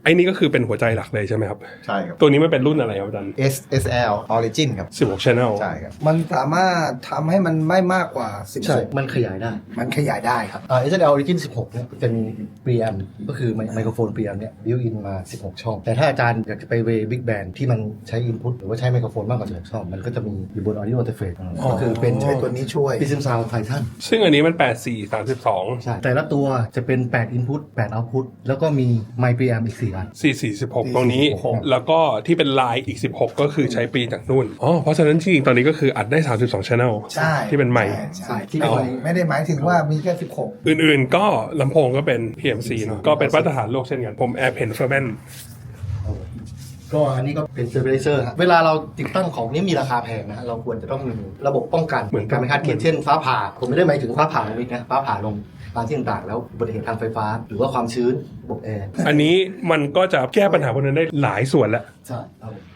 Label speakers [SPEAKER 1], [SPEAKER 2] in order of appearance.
[SPEAKER 1] ไอ้นี่ก็คือเป็นหัวใจหลักเลยใช่ไหมครับ
[SPEAKER 2] ใช่ครับ
[SPEAKER 1] ตัวนี้มันเป็นรุ่นอะไรครับอาจารย์
[SPEAKER 2] SL Origin ครับ
[SPEAKER 1] 16 Channel
[SPEAKER 2] ใช่ครับ
[SPEAKER 3] มันสามารถทำให้มันไม่มากกว่า
[SPEAKER 4] ใช่
[SPEAKER 3] 16
[SPEAKER 4] มันขยายได้
[SPEAKER 3] มันขยายได้ครับ
[SPEAKER 4] SL Origin 16 เนี่ยจะมี preamp ก็คือไมโครโฟน preamp เนี่ย built in มา 16 ช่อง แต่ถ้าอาจารย์อยากจะไปเว big band ที่มันใช้ input หรือว่าใช้ไมโครโฟนมากกว่า16ช่อง มันก็จะมีอยู่บน audio interface ก็คือเป็น
[SPEAKER 3] ใช้ตัวนี้ช่วย
[SPEAKER 4] Prism Sound Titan
[SPEAKER 1] ซึ่งอันนี้มัน 8432
[SPEAKER 4] ใช่ แต่ละตัวจะเป็น 8 input 8 output แล้วก็มี mic preamp อีก 4 อัน
[SPEAKER 1] 446 ตรงนี้ แล้วก็ที่เป็นลายอีก 16 ก็คือใช้ปีจากนู่นเพราะฉะนั้นจริงๆตอนนี้ก็คืออัดได้ 32 Channel
[SPEAKER 3] ใช่
[SPEAKER 1] ที่เป็นไมค์
[SPEAKER 3] ใช่
[SPEAKER 4] ที่
[SPEAKER 3] ที่
[SPEAKER 4] เป็นไมค์
[SPEAKER 3] ไม่ได้หมายถึงว่ามีแค่ 16
[SPEAKER 1] อื่นๆก็ลำโพงก็เป็น PMC เนอะก็เป็นมาตรฐานโลกเช่นกัน ผม AirPen Ferment
[SPEAKER 4] ก็อันนี้ก็เป็น stabilizer ฮะเวลาเราติดตั้งของนี้มีราคาแพงนะ เราควรจะต้องมีระบบป้องกัน
[SPEAKER 1] เหมือน
[SPEAKER 4] การไม่คาดคิดเช่นฟ้าผ่า ผมไม่ได้หมายถึงฟ้าผ่าลงมิกนะ ฟ้าผ่าลงตามที่ต่างๆแล้วอุบัติเหตุทางไฟฟ้า หรือว่าความชื้นระบบแอร์
[SPEAKER 1] อันนี้มันก็จะแก้ปัญหาพวกนั้นได้หลายส่วนแล้ว
[SPEAKER 4] ใช่ครับผม